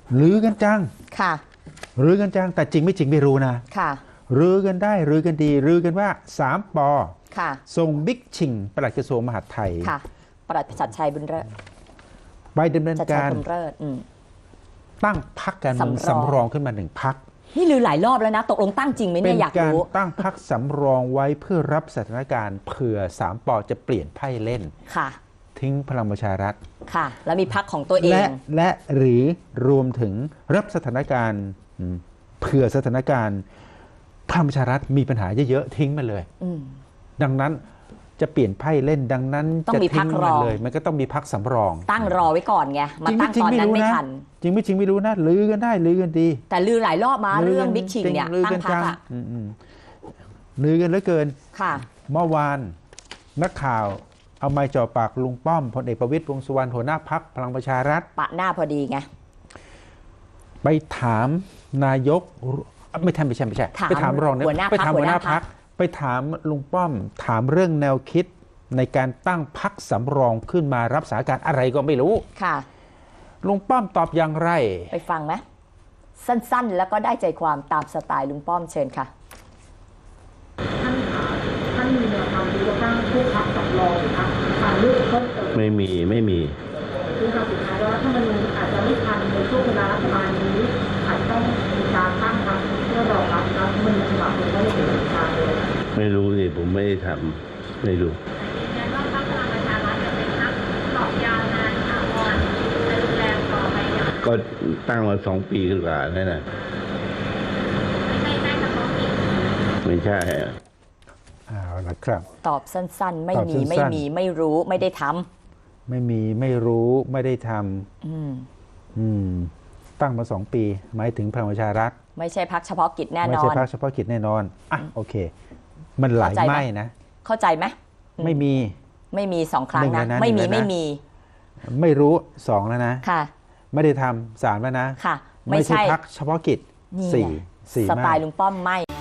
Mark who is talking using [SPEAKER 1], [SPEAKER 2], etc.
[SPEAKER 1] ลือกันจัง
[SPEAKER 2] ค่ะ
[SPEAKER 1] ลือกันจังแต่จริงไม่จริงไม่รู้นะ
[SPEAKER 2] ค่ะ
[SPEAKER 1] ลือกันได้ลือกันดีลือกันว่า3 ป.
[SPEAKER 2] ค่ะ
[SPEAKER 1] ส่งบิ๊กชิงปลัดกระทรวงมหาดไทย
[SPEAKER 2] ค่ะปลัดชัดชัยบุญเลิศ
[SPEAKER 1] ไปดำเนินการตั้งพรรคการเมืองสำรองขึ้นมา1 พรรค
[SPEAKER 2] นี่ลือหลายรอบแล้วนะตกลงตั้งจริงไหมเนี่ยอยากรู้
[SPEAKER 1] เป็นการตั้งพรรคสำรองไว้เพื่อรับสถานการณ์เผื่อ3 ป.จะเปลี่ยนไพ่เล่น
[SPEAKER 2] ค่ะ
[SPEAKER 1] ทิ้งพลังประชารัฐ
[SPEAKER 2] ค่ะแล้วมีพรรคของตัวเอง
[SPEAKER 1] และหรือรวมถึงรับสถานการณ์เผื่อสถานการณ์พลังประชารัฐมีปัญหาเยอะๆทิ้งมาเลยดังนั้นจะเปลี่ยนไพ่เล่นดังนั้นจะทิ้งมันเลยมันก็ต้องมีพรรคสำรอง
[SPEAKER 2] ตั้งรอไว้ก่อนไงมาตั้งตอนนั้นไม่ทัน
[SPEAKER 1] จริงไม่จริงไม่รู้นะลือกันได้ลือกันดี
[SPEAKER 2] แต่ลือหลายรอบมาเรื่องบิ๊กชิงเนี่ยตั้งพรรคอะ
[SPEAKER 1] ลือกันเหลือเกิน
[SPEAKER 2] ค่ะ
[SPEAKER 1] เมื่อวานนักข่าวเอาไม้จ่อปากลุงป้อมพลเอกประวิตรวงษ์สุวรรณหัวหน้าพรรคพลังประชารัฐ
[SPEAKER 2] ปะหน้าพอดีไง
[SPEAKER 1] ไปถามนายกไม่ใช่ไปถามรองไปถามหัวหน้าพรรคไปถามลุงป้อมถามเรื่องแนวคิดในการตั้งพรรคสำรองขึ้นมารับสถานการณ์อะไรก็ไม่รู้
[SPEAKER 2] ค่ะ
[SPEAKER 1] ลุงป้อมตอบอย่างไร
[SPEAKER 2] ไปฟังไหมสั้นๆแล้วก็ได้ใจความตามสไตล์ลุงป้อมเชิญค่ะ
[SPEAKER 3] ท่านมีแนวทางที่จะตั้งผู้พักสำรองครับทางเลือกเพิ่มเติม
[SPEAKER 4] ไม่มี
[SPEAKER 3] คือคำสุดท้ายว่าถ้ามันอาจจะไม่ทันในช่วงเวลารัฐบาลนี้อาจจะต้องมีการตั้งพรรคเพื่อรองรับรัฐธรรมนูญฉบับนี้ไม่ได้เป็นทางเลย
[SPEAKER 4] ไม่รู้สิผมไม่ได้ทำไม่รู้
[SPEAKER 5] งั้นว่าพรรคพลังประชารัฐจะเป็นพรรคหลอกยาวนานถาวรจะรุนแรงต่อไปอย่าง
[SPEAKER 4] ก็ตั้งมา2 ปีกว่านั่นน่ะ
[SPEAKER 5] ไม่ใช่เฉพาะกิจ
[SPEAKER 4] ไม่ใช่
[SPEAKER 1] เอาละครับ
[SPEAKER 2] ตอบสั้นๆไม่มีไม่รู้ไม่ได้ทำ
[SPEAKER 1] ไม่มีไม่รู้ไม่ได้ทำตั้งมา2 ปีหมายถึงพลังประชารัฐ
[SPEAKER 2] ไม่ใช่พรรคเฉพาะกิจแน่นอนไม่
[SPEAKER 1] ใช่พรรคเฉพาะกิจแน่นอนอ่ะโอเคมันหลายไม่นะ
[SPEAKER 2] เข้าใจไหม
[SPEAKER 1] ไม่
[SPEAKER 2] มี2 ครั้งนะไม่
[SPEAKER 1] ไม่รู้2แล้วนะ
[SPEAKER 2] ค่ะ
[SPEAKER 1] ไม่ได้ทำ3แล้วนะ
[SPEAKER 2] ค่ะ
[SPEAKER 1] ไม่ใช่พรรคเฉพาะกิจ4
[SPEAKER 2] สไตล์ลุงป้อมไม่